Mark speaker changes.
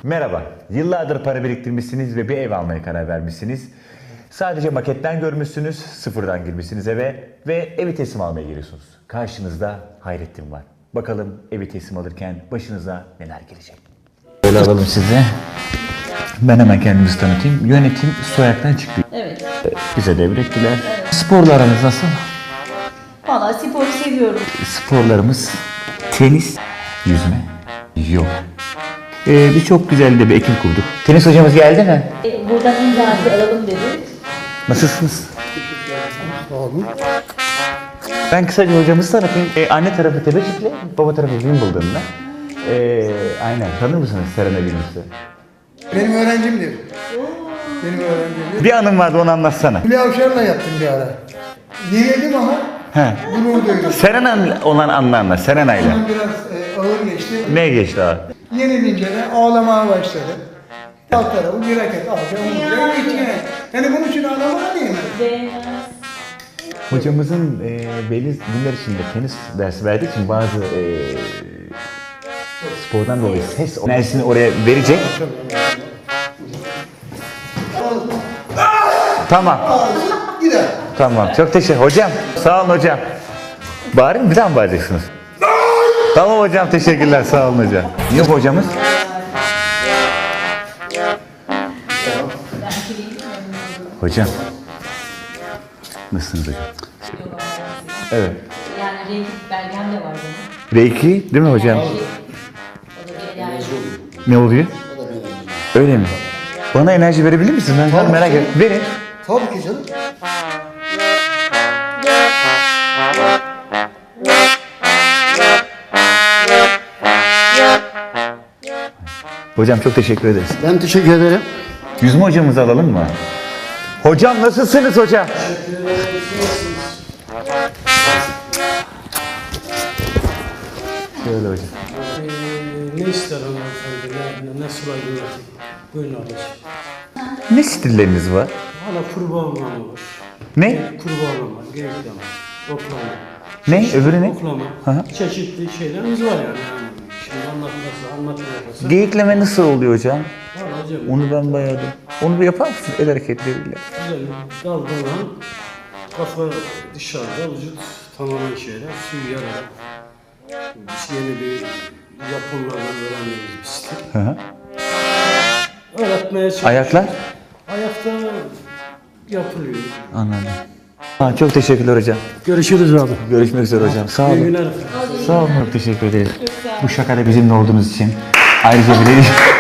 Speaker 1: Merhaba, yıllardır para biriktirmişsiniz ve bir ev almaya karar vermişsiniz. Sadece maketten görmüşsünüz, sıfırdan girmişsiniz eve ve evi teslim almaya geliyorsunuz. Karşınızda Hayrettin var. Bakalım evi teslim alırken başınıza neler gelecek? Böyle alalım size. Ben hemen kendimizi tanıtayım. Yönetim Soyak'tan çıktı.
Speaker 2: Evet.
Speaker 1: Bize devrettiler. Sporlarınız nasıl?
Speaker 2: Valla sporu seviyorum.
Speaker 1: Sporlarımız tenis, yüzme, yoga. Biz çok güzel de bir ekip kurduk. Tenis hocamız geldi mi?
Speaker 2: Buradan imzası alalım dedik.
Speaker 1: Nasılsınız? Sağ olun. Ben kısaca hocamızı tanıtayım. Anne tarafı Tebeşikli, baba tarafı Wimbledon'da. Aynen. Tanır mısınız Serena Williams'ı?
Speaker 3: Benim öğrencimdir. Benim öğrencimdir.
Speaker 1: Bir anım vardı, onu anlatsana.
Speaker 3: Hülya Avşar'la yaptım bir ara. Yenildim ama gurur duydum.
Speaker 1: Serena olan anlarla, Serena'yla.
Speaker 3: Ondan biraz ağır geçti.
Speaker 1: Ne geçti abi?
Speaker 3: Yenilince de ağlamaya başladı. Alt tarafı bir raket alacağım. Yani bunun için ağlamaya değmez.
Speaker 1: Hocamızın belli günler içinde tenis dersi verdiği için bazı spordan dolayı ses enerjisini oraya verecek. Tamam.
Speaker 3: Gider.
Speaker 1: Tamam. Çok teşekkür. Hocam. Sağ olun hocam. Bağırın, bir daha mı bağıracaksınız? Tamam hocam. Teşekkürler. Sağ olun hocam. Yok hocamız. Hocam. Nasılsınız hocam? Evet.
Speaker 2: Yani renkli belgem de var benim.
Speaker 1: Reiki değil mi hocam?
Speaker 2: O da bir enerji.
Speaker 1: Ne oluyor? Öyle mi? Bana enerji verebilir misin? Ben çok merak ediyorum. Verin.
Speaker 3: Tabii ki canım.
Speaker 1: Hocam çok teşekkür ederiz.
Speaker 3: Ben teşekkür ederim.
Speaker 1: Yüzme hocamızı alalım mı? Hocam nasılsınız hocam? Şöyle hocam.
Speaker 4: Ne ister hanımefendi, ne sular yönetim? Buyurun ablacığım.
Speaker 1: Ne stilleriniz var?
Speaker 4: Hala kurbağa ormanı var.
Speaker 1: Ne?
Speaker 4: Kurbağa ormanı, geyiklama, oklama.
Speaker 1: Ne? Öbürü ne?
Speaker 4: Oklama.
Speaker 1: Hı hı.
Speaker 4: Çeşitli şeylerimiz var yani. Şimdi anlatmaya
Speaker 1: Geyikleme nasıl oluyor hocam?
Speaker 4: Valla hocam,
Speaker 1: Onu ben bayağı da... Onu bir yapar mısın el hareketleriyle?
Speaker 4: güzel dalgalan, kafa dışarıda, vücut tamamen şeyler, suyu yararak. Biz yeni bir Japonlardan öğrendiğimiz bir stil.
Speaker 1: Hı hı.
Speaker 4: Öğretmeye çalışıyoruz.
Speaker 1: Ayaklar?
Speaker 4: Ayakta yapılıyor.
Speaker 1: Anladım. Ha, çok teşekkürler hocam.
Speaker 4: Görüşürüz abi.
Speaker 1: Görüşmek üzere hocam. Sağ
Speaker 4: İyi
Speaker 1: olun.
Speaker 4: günler.
Speaker 1: Sağ olun. Çok teşekkür ederiz. Bu şakada bizimle olduğunuz için ayrıca bir